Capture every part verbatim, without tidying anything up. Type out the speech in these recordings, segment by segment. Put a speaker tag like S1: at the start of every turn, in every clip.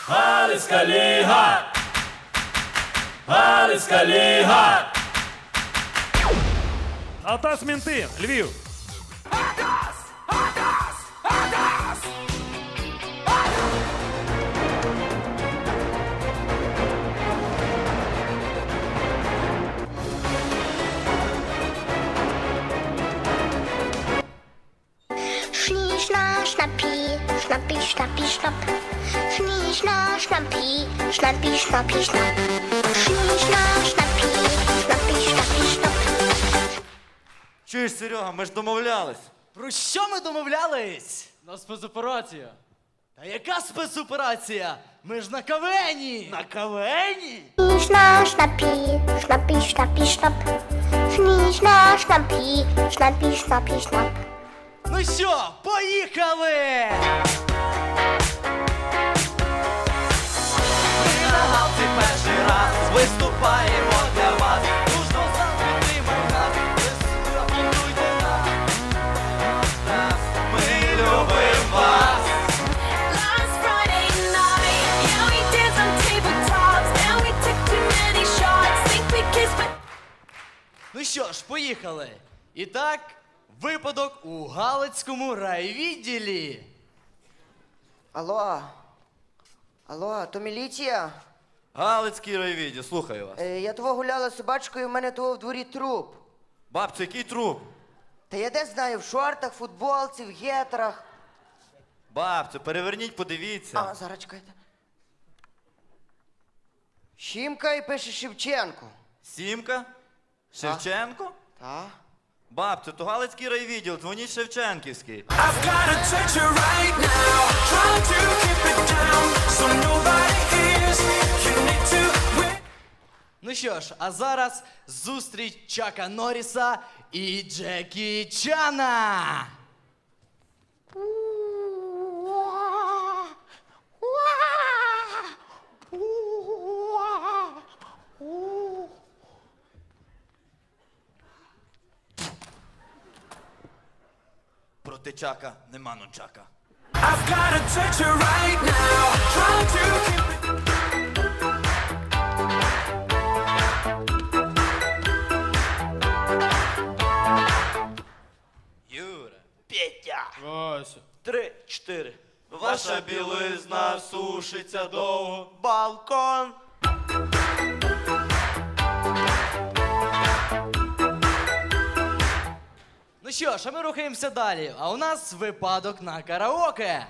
S1: Галицька ліга! Галицька ліга!
S2: Алтас Мінти, Львів.
S3: Schnie, schna, schnappi, schnappi, schnappi, schnapp. Schnie, schna, schnappi, schnappi, schnappi, schnapp. Schnie, schna, schnappi, schnappi, schnappi, schnapp.
S4: Чуєш, Серега, ми ж домовлялись.
S5: Про що ми домовлялись?
S6: На спецоперацію.
S5: Та яка спецоперація? Ми ж на кавені!
S4: На кавені?
S3: Schnie, schna, schnappi, schnappi, schnappi, schnapp. Schnie, schna, schnappi, schnappi, schnappi, schnapp.
S5: Ну що, поїхали!
S4: Ми на галці перший раз виступаємо для вас. Дружно завжди підтримай нас. Ви аплодуйте нам. Нас. Ми любимо вас.
S7: Last Friday night, yeah, we danced on tabletops, and we took too many shots. Think we kissed, but
S5: Ну що ж, поїхали. І так, випадок у Галицькому райвідділі.
S8: Алло. Алло, то міліція?
S4: Галицький райвідділ, слухаю вас.
S8: Е, я того гуляла з собачкою, в мене того в дворі труп.
S4: Бабця, який труп?
S8: Та я де знаю, в шортах, футболці, в гетрах.
S4: Бабцю, переверніть, подивіться.
S8: А, зараз чекайте. Щімка і пише Шевченко.
S4: Сімка? Шевченко?
S8: Та?
S4: Бабцю, то Галицький райвідділ, дзвоніть Шевченківський.
S1: I've got a touch you right now, trying to keep it down, so nobody hears. You need to win.
S5: Ну що ж, а зараз зустріч Чака Норріса і Джекі Чана.
S4: Проти Чака нема нунчака.
S1: I've got a touch you right now, trying to keep it.
S4: Юра.
S5: Петя.
S6: Вася.
S4: Три, чотири. Ваша білизна сушиться довго. Балкон.
S5: Ну що ж, а ми рухаємося далі. А у нас випадок на караоке.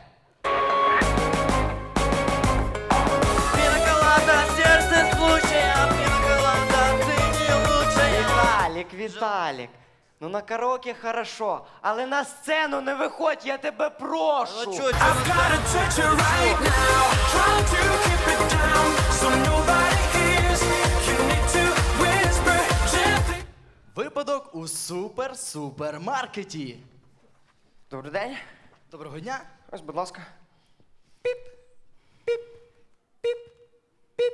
S4: Пинаколада, сердце случая, пинаколада, ты не лучшая.
S8: Віталік, Віталік. Ну на караоке хорошо, але на сцену не виходь, я тебе прошу.
S4: Ну чо, чо
S1: I've got a touch you right now, trying to keep it down, so nobody hears. You need to whisper gently.
S5: Випадок у супер-супермаркеті.
S8: Добрий день.
S5: Доброго дня.
S8: Ось, будь ласка.
S5: Піп, піп, піп, піп.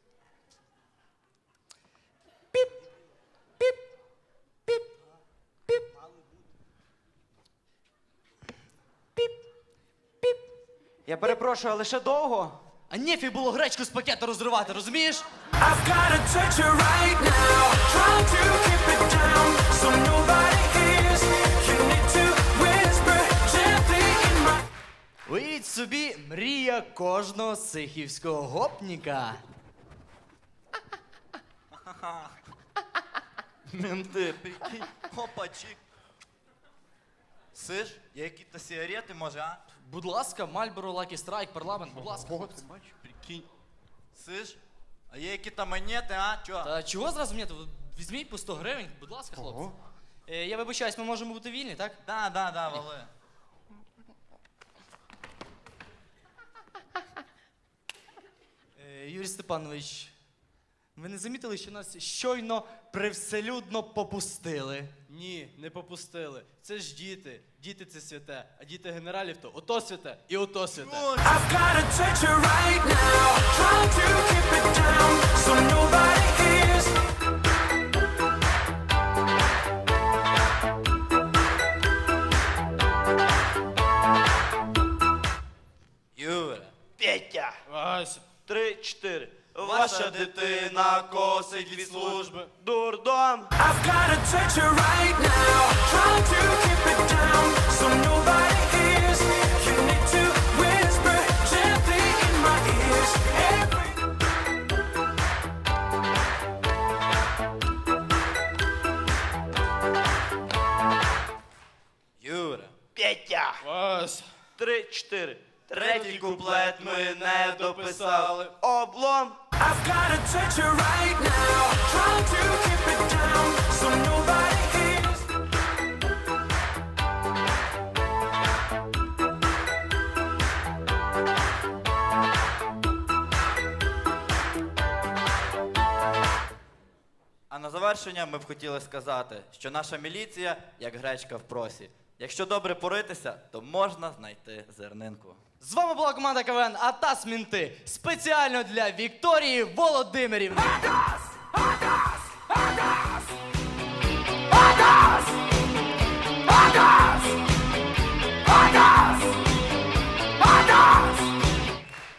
S5: Піп, піп, піп, піп. Піп, піп.
S8: Я перепрошую, але ще довго?
S5: А нефіг було гречку з пакета розривати, розумієш?
S1: I've got a touch you right now, trying to keep it down, so nobody hears. You need to whisper gently in my.
S5: Уявіть собі, мрія кожного сихівського гопніка.
S4: Менти, прикинь, опачик. Сиш, є якісь сигарети, може, а?
S5: Будь ласка, Мальборо, Лакі Страйк, парламент, будь ласка.
S4: Прикинь. Сиш, а є якісь монети, а? Чо?
S5: Та чого зразу мені? Візьміть по сто гривень, будь ласка, хлопці. Е, я вибачаюсь, ми можемо бути вільні, так?
S4: Да, да, да, вали.
S5: Е, Юрій Степанович, ви не замітили, що нас щойно привселюдно попустили?
S6: Ні, не попустили. Це ж діти. Діти це святе. А діти генералів то ото святе і ото святе.
S1: I've got a touch you right now, trying to keep it down, so nobody hears.
S4: Юра.
S5: Петя!
S4: Петя.
S6: Вася.
S4: Три, чотири. Ваша дитина косить від служби. Дурдом.
S1: I've got a touch her right now, trying to keep it down so nobody hears. You need to whisper gently in my ears. Every
S4: Юра. Петя.
S6: Вася.
S4: Три, чотири. Третій куплет ми не дописали. Облом.
S1: I've got a touch her right now, trying to keep it down so nobody hears.
S4: А на завершення ми б хотіли сказати, що наша міліція як гречка в просі. Якщо добре поритися, то можна знайти зернинку.
S5: З вами була команда КВН Атас Мінти. Спеціально для Вікторії Володимирівни.